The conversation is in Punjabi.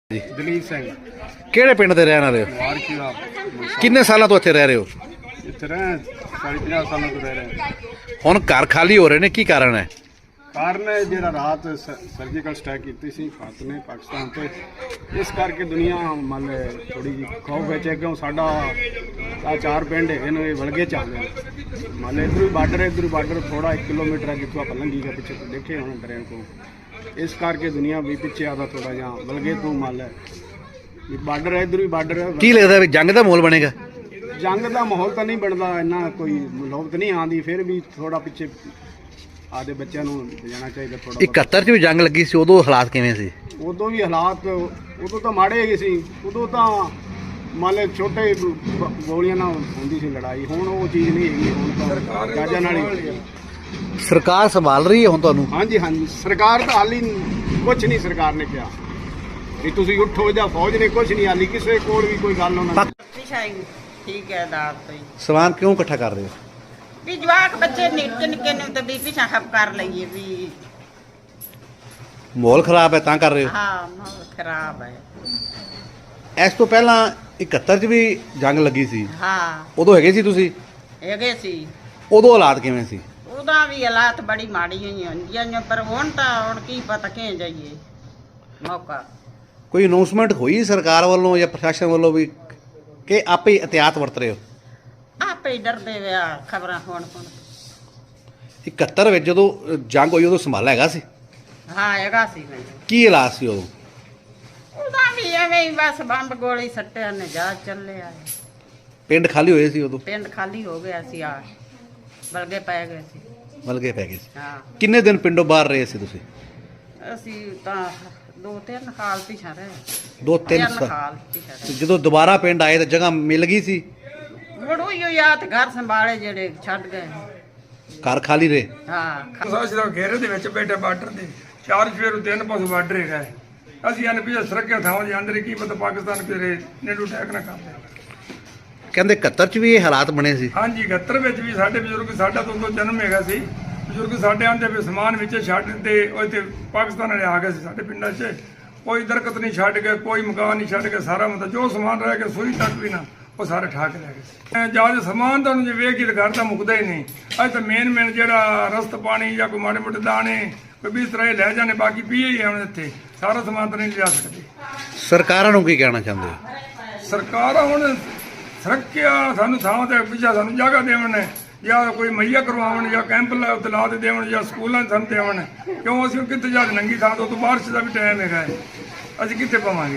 ਜੀ ਦਲੀਪ ਸਿੰਘ ਕਿਹੜੇ ਪਿੰਡ ਦੇ ਰਹਿਣ ਵਾਲੇ ਹੋ? ਵਾਰ ਕੀ ਆ ਕਿੰਨੇ ਸਾਲਾਂ ਤੋਂ ਇੱਥੇ ਰਹਿ ਰਹੇ ਹੋ? ਇੱਥੇ ਰਹਿ 40-50 ਸਾਲਾਂ ਤੋਂ ਰਹਿ ਰਹੇ। ਹੁਣ ਘਰ ਖਾਲੀ ਹੋ ਰਹੇ ਨੇ, ਕੀ ਕਾਰਨ ਹੈ? ਕਾਰਨ ਜਿਹੜਾ ਰਾਤ ਸਰਜੀਕਲ ਸਟ੍ਰਾਈਕ ਕੀਤੀ ਸੀ ਭਾਰਤ ਨੇ ਪਾਕਿਸਤਾਨ ਤੇ, ਇਸ ਕਰਕੇ ਦੁਨੀਆ ਮੰਨ ਥੋੜੀ ਜਿਹੀ ਖੌਫ ਵਿੱਚ ਹੈ ਕਿਉਂ ਸਾਡਾ ਆ ਚਾਰ ਪਿੰਡ ਹੈਗੇ ਨੇ, ਇਹ ਵਲਗੇ ਚੱਲਦੇ ਨੇ। ਮੰਨ ਇੱਧਰ ਵੀ ਬਾਰਡਰ ਥੋੜਾ 1 ਕਿਲੋਮੀਟਰ ਹੈ ਜਿੱਥੋਂ ਆਪਾਂ ਲੰਘੀ ਗਏ ਪਿੱਛੇ ਦੇਖੇ ਹੁਣ ਟ੍ਰੇਨ ਤੋਂ, ਇਸ ਕਰਕੇ ਦੁਨੀਆ ਵੀ ਪਿੱਛੇ ਆਦਾ ਥੋੜਾ ਜਿਹਾ ਵਲਗੇ ਤੋਂ ਮੰਨ ਵੀ ਬਾਰਡਰ ਹੈ, ਇੱਧਰ ਵੀ ਬਾਰਡਰ ਹੈ। ਕੀ ਲੱਗਦਾ ਵੀ ਜੰਗ ਦਾ ਮਾਹੌਲ ਬਣੇਗਾ? ਜੰਗ ਦਾ ਮਾਹੌਲ ਤਾਂ ਨਹੀਂ ਬਣਦਾ, ਇੰਨਾ ਕੋਈ ਨੌਬਤ ਨਹੀਂ ਆਉਂਦੀ, ਫਿਰ ਵੀ ਥੋੜਾ ਪਿੱਛੇ ਆਦੇ ਬੱਚਿਆਂ ਨੂੰ ਜਾਣਾ ਚਾਹੀਦਾ ਥੋੜਾ। 71 ਚ ਵੀ ਜੰਗ ਲੱਗੀ ਸੀ, ਉਦੋਂ ਹਾਲਾਤ ਕਿਵੇਂ ਸੀ? ਉਦੋਂ ਵੀ ਹਾਲਾਤ ਉਦੋਂ ਤਾਂ ਮਾੜੇ ਹੈਗੇ ਸੀ, ਉਦੋਂ ਤਾਂ ਮੰਨ ਲਓ ਛੋਟੇ ਗੋਲੀਆਂ ਨਾਲ ਹੁੰਦੀ ਸੀ ਲੜਾਈ, ਹੁਣ ਉਹ ਚੀਜ਼ ਨਹੀਂ ਹੈਗੀ। ਹੁਣ ਤਾਂ ਗਾਜਾਂ ਨਾਲ ਹੀ ਸਰਕਾਰ ਸੰਭਾਲ ਰਹੀ ਹੈ ਹੁਣ ਤੁਹਾਨੂੰ? ਹਾਂਜੀ ਹਾਂਜੀ, ਸਰਕਾਰ ਤਾਂ ਹਾਲੀ ਕੁਛ ਨਹੀਂ ਸਰਕਾਰ ਨੇ ਕਿਹਾ ਵੀ ਤੁਸੀਂ ਉੱਠੋ ਜਾਂ ਫੌਜ ਨੇ ਕੁਛ ਨਹੀਂ ਹਾਲੀ ਕਿਸੇ ਕੋਲ ਵੀ ਕੋਈ ਗੱਲ ਉਹਨਾਂ ਨੇ। ਠੀਕ ਹੈ ਦਾਤ ਤੋਂ ਹੀ ਸਮਾਨ ਕਿਉਂ ਇਕੱਠਾ ਕਰ ਰਹੇ ਹੋ? ਵੀ ਜਵਾਕ ਬੱਚੇ ਨਿੱਕੇ ਨਿੱਕੇ ਨੂੰ ਤੇ ਵੀ ਪਿਛਾ ਖਪ ਕਰ ਲਈਏ ਵੀ। ਮਾਹੌਲ ਖਰਾਬ ਹੈ ਤਾਂ ਕਰ ਰਹੇ ਹੋ? ਹਾਂ ਮਾਹੌਲ ਖਰਾਬ ਹੈ। ਇਸ ਤੋਂ ਪਹਿਲਾਂ 71 ਚ ਵੀ ਜੰਗ ਲੱਗੀ ਸੀ, ਹਾਂ ਉਦੋਂ ਹੈਗੇ ਸੀ ਤੁਸੀਂ? ਹੈਗੇ ਸੀ। ਉਦੋਂ ਹਾਲਾਤ ਕਿਵੇਂ ਸੀ? ਉਹਦਾ ਵੀ ਹਾਲਾਤ ਬੜੀ ਮਾੜੀ ਹੋਈ ਹੁੰਦੀਆਂ ਨੇ, ਪਰ ਹੁਣ ਕੀ ਪਤਾ ਕਿਹ ਜਾਈਏ ਮੌਕਾ। ਕੋਈ ਅਨਾਉਂਸਮੈਂਟ ਹੋਈ ਸਰਕਾਰ ਵੱਲੋਂ ਜਾਂ ਪ੍ਰਸ਼ਾਸਨ ਵੱਲੋਂ ਵੀ ਕਿ ਆਪੇ ਹੀ ਇhtiyਾਤ ਵਰਤ ਰਹੇ ਹੋ? ਆਪੇ ਹੀ ਡਰਦੇ ਵਿਆ ਖਬਰਾਂ ਹੁਣ 71 ਵਿੱਚ ਜਦੋਂ ਜੰਗ ਹੋਈ ਉਦੋਂ ਸੰਭਾਲਾ ਹੈਗਾ ਸੀ? ਹਾਂ ਹੈਗਾ ਸੀ ਮੈਨੂੰ। ਕੀ ਹਾਲਾਤ ਸੀ ਉਦੋਂ? ਉਹਦਾ ਵੀ ਐਵੇਂ ਹੀ ਬਸ ਬੰਬ ਗੋਲੀ ਸੱਟਿਆ ਨੇ ਜਾ ਚੱਲਿਆ। ਪਿੰਡ ਖਾਲੀ ਹੋਏ ਸੀ ਉਦੋਂ? ਪਿੰਡ ਖਾਲੀ ਹੋ ਗਿਆ ਸੀ, ਆ ਬਲਗੇ ਪੈ ਗਏ ਸੀ। ਮਲਗੇ ਪੈ ਗਏ ਸੀ। ਹਾਂ ਕਿੰਨੇ ਦਿਨ ਪਿੰਡੋਂ ਬਾਹਰ ਰਹੇ ਸੀ ਤੁਸੀਂ? ਅਸੀਂ ਤਾਂ 2-3 ਸਾਲ ਪਿਛਾ ਰਹੇ। 2-3 ਸਾਲ। ਸਾਲ ਪਿਛਾ ਤੇ ਜਦੋਂ ਦੁਬਾਰਾ ਪਿੰਡ ਆਏ ਤਾਂ ਜਗ੍ਹਾ ਮਿਲ ਗਈ ਸੀ? ਮੁੜੂ ਹੀ ਯਾਦ ਘਰ ਸੰਭਾਲੇ ਜਿਹੜੇ ਛੱਡ ਗਏ। ਘਰ ਖਾਲੀ ਰਹੇ? ਹਾਂ ਸਾਡਾ ਦਾ ਘੇਰੇ ਦੇ ਵਿੱਚ ਬੈਠੇ ਬਾਰਡਰ ਦੇ ਚਾਰ ਫੇਰ ਤਿੰਨ ਪਾਸੇ ਬਾਰਡਰ ਹੈਗਾ। ਅਸੀਂ ਅਨ ਪਿਛੇ ਸੁਰੱਖਿਆ ਥਾਵਾਂ ਦੇ ਅੰਦਰ ਕੀ ਪਤਾ ਪਾਕਿਸਤਾਨ ਕਿਹੜੇ ਨੇੜੂ ਅਟੈਕ ਨਾ ਕਰਦੇ। ਕਹਿੰਦੇ 71 ਚ ਵੀ ਇਹ ਹਾਲਾਤ ਬਣੇ ਸੀ? ਹਾਂਜੀ 71 ਵਿੱਚ ਵੀ ਸਾਡੇ ਬਜ਼ੁਰਗ, ਸਾਡਾ ਤੋਂ ਉਦੋਂ ਜਨਮ ਹੈਗਾ ਸੀ, ਬਜ਼ੁਰਗ ਸਾਡੇ ਆਂਦੇ ਵੀ ਸਮਾਨ ਵਿੱਚ ਛੱਡ ਤੇ ਉਹ ਇੱਥੇ ਪਾਕਿਸਤਾਨ ਵਾਲੇ ਆ ਗਏ ਸੀ ਸਾਡੇ ਪਿੰਡਾਂ 'ਚ। ਕੋਈ ਦਰਖਤ ਨਹੀਂ ਛੱਡ ਕੇ, ਕੋਈ ਮਕਾਨ ਨਹੀਂ ਛੱਡ ਕੇ, ਸਾਰਾ ਮਤਲਬ ਜੋ ਸਮਾਨ ਰਹਿ ਗਿਆ ਸੂਈ ਤੱਕ ਵੀ ਨਾ ਉਹ ਸਾਰੇ ਠਾ ਕੇ ਲੈ ਗਏ ਸੀ। ਜਾਂ ਸਮਾਨ ਤਾਂ ਜੇ ਵੇਖ ਕੇ ਘਰ ਤਾਂ ਮੁੱਕਦਾ ਹੀ ਨਹੀਂ। ਅੱਜ ਤਾਂ ਮੇਨ ਜਿਹੜਾ ਰਸਤ ਪਾਣੀ ਜਾਂ ਕੋਈ ਮਾੜੇ ਮੋਟੇ ਦਾਣੇ ਕੋਈ ਵੀ ਇਸ ਤਰ੍ਹਾਂ ਲੈ ਜਾਣੇ, ਬਾਕੀ ਪੀਏ ਹੀ ਆਉਣ ਇੱਥੇ, ਸਾਰਾ ਸਮਾਨ ਤਾਂ ਨਹੀਂ ਲਿਆ ਸਕਦੇ। ਸਰਕਾਰਾਂ ਨੂੰ ਕੀ ਕਹਿਣਾ ਚਾਹੁੰਦੇ ਹੋ? ਸਰਕਾਰਾਂ ਹੁਣ ਸੁਰੱਖਿਆ ਸਾਨੂੰ ਥਾਂ ਤੇ ਪਿੱਛਾ ਸਾਨੂੰ ਜਗ੍ਹਾ ਦੇਵਣ, ਜਾਂ ਕੋਈ ਮੁਹੱਈਆ ਕਰਵਾਉਣ, ਜਾਂ ਕੈਂਪ ਲਾ ਦੇ ਦੇਵਣ, ਜਾਂ ਸਕੂਲਾਂ 'ਚ ਸਾਨੂੰ ਦੇਵਣ। ਕਿਉਂ ਅਸੀਂ ਕਿੱਥੇ ਜਾ ਨੰਗੀ ਥਾਂ ਤੋਂ ਬਾਰਿਸ਼ ਦਾ ਵੀ ਟਾਈਮ ਹੈਗਾ, ਅਸੀਂ ਕਿੱਥੇ ਪਾਵਾਂਗੇ?